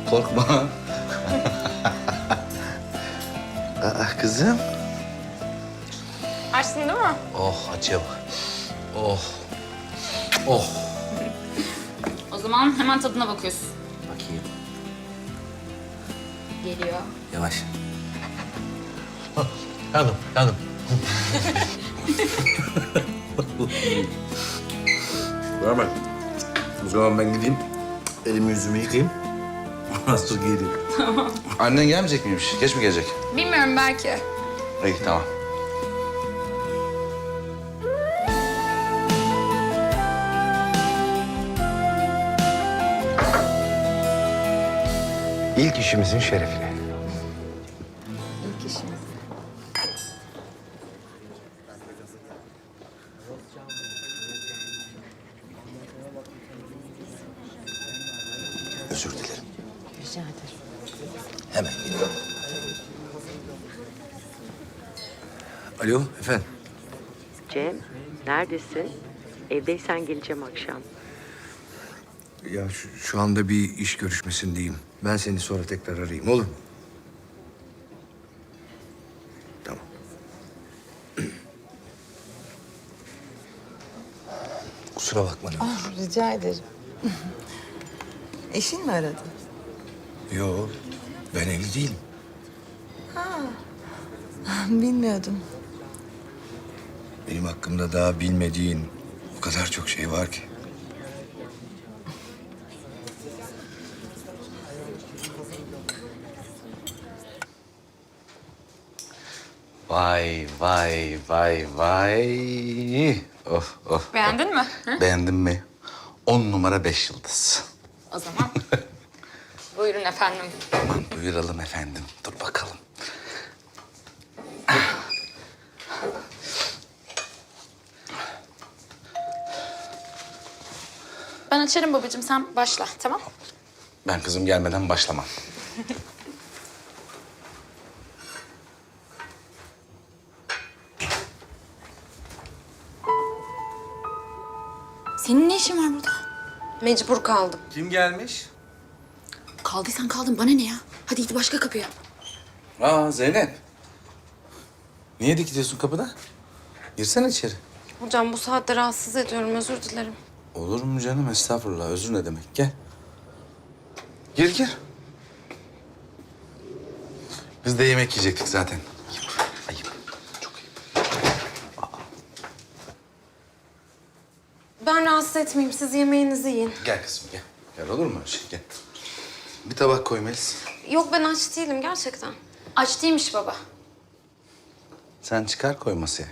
Korkma. Kızım. Açsın değil mi? Oh acıya bak. Oh. Oh. O zaman hemen tadına bakıyorsun. Bakayım. Geliyor. Yavaş. Yandım, yandım. Beraber. O zaman ben gideyim. Elimi yüzümü yıkayayım. Nasıl geleyim? Tamam. Annen gelmeyecek miymiş? Geç mi gelecek? Bilmiyorum belki. İyi, tamam. İlk işimizin şerefine. İlk işimiz. Özür dilerim. Rica ederim. Hemen geliyorum. Alo, efendim. Cem, neredesin? Evdeysen geleceğim akşam. Ya şu anda bir iş görüşmesindeyim. Ben seni sonra tekrar arayayım, olur mu? Tamam. Kusura bakma ne olur. Rica ederim. Eşin mi aradı? Yo, ben evli değilim. Bilmiyordum. Benim hakkımda daha bilmediğin o kadar çok şey var ki. Vay, vay, vay, vay. Oh, oh. Beğendin mi? Hı? Beğendin mi? 10 numara 5 yıldız. O zaman buyurun efendim. Aman buyuralım efendim. Dur bakalım. Ben açarım babacığım, sen başla, tamam? Ben kızım gelmeden başlamam. Senin ne işin var burada? Mecbur kaldım. Kim gelmiş? Kaldıysan kaldın, bana ne ya? Hadi git başka kapıya. Aa Zeynep. Niye dikiliyorsun kapıda? Girsene içeri. Hocam bu saatte rahatsız ediyorum, özür dilerim. Olur mu canım? Estağfurullah. Özür ne demek? Gel. Gir gir. Biz de yemek yiyecektik zaten. Ayıp. Ayıp. Çok ayıp. Ben rahatsız etmeyeyim, siz yemeğinizi yiyin. Gel kızım gel. Gel olur mu öyle şey? Gel. Bir tabak koy Melis. Yok ben aç değilim gerçekten. Aç değilmiş baba. Sen çıkar koy masaya.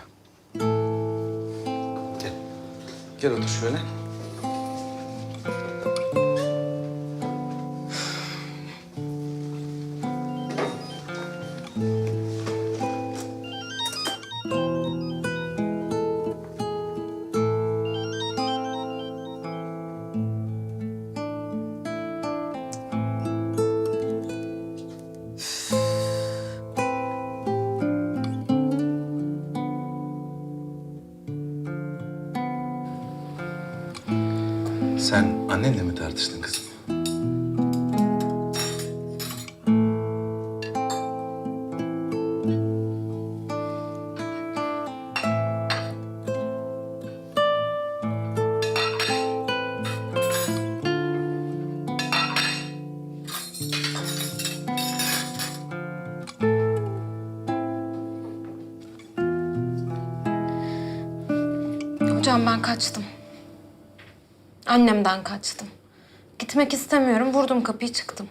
Gel. Gel otur şöyle. Sen annenle mi tartıştın kızım? Hocam ben kaçtım. Annemden kaçtım. Gitmek istemiyorum, vurdum kapıyı çıktım.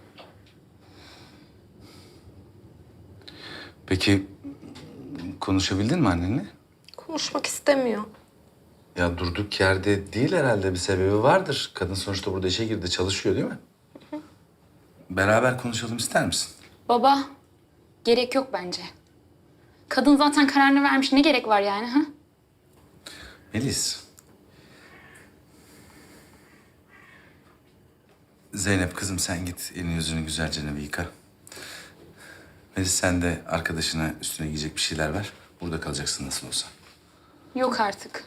Peki konuşabildin mi annenle? Konuşmak istemiyor. Ya durduk yerde değil herhalde bir sebebi vardır. Kadın sonuçta burada işe girdi, çalışıyor değil mi? Beraber konuşalım ister misin? Baba, gerek yok bence. Kadın zaten kararını vermiş, ne gerek var yani? Ha? Melis. Zeynep kızım sen git elini yüzünü güzelce bir yıka. Melis sen de arkadaşına üstüne giyecek bir şeyler ver. Burada kalacaksın nasıl olsa. Yok artık.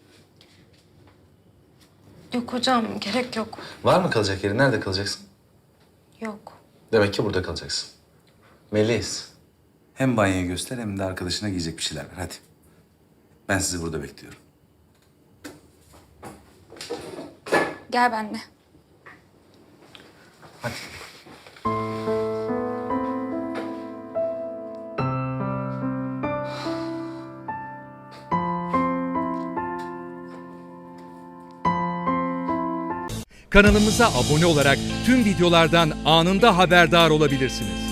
Yok hocam, gerek yok. Var mı kalacak yeri? Nerede kalacaksın? Yok. Demek ki burada kalacaksın. Melis. Hem banyoyu göster hem de arkadaşına giyecek bir şeyler ver. Hadi. Ben sizi burada bekliyorum. Gel benimle. Hadi. Kanalımıza abone olarak tüm videolardan anında haberdar olabilirsiniz.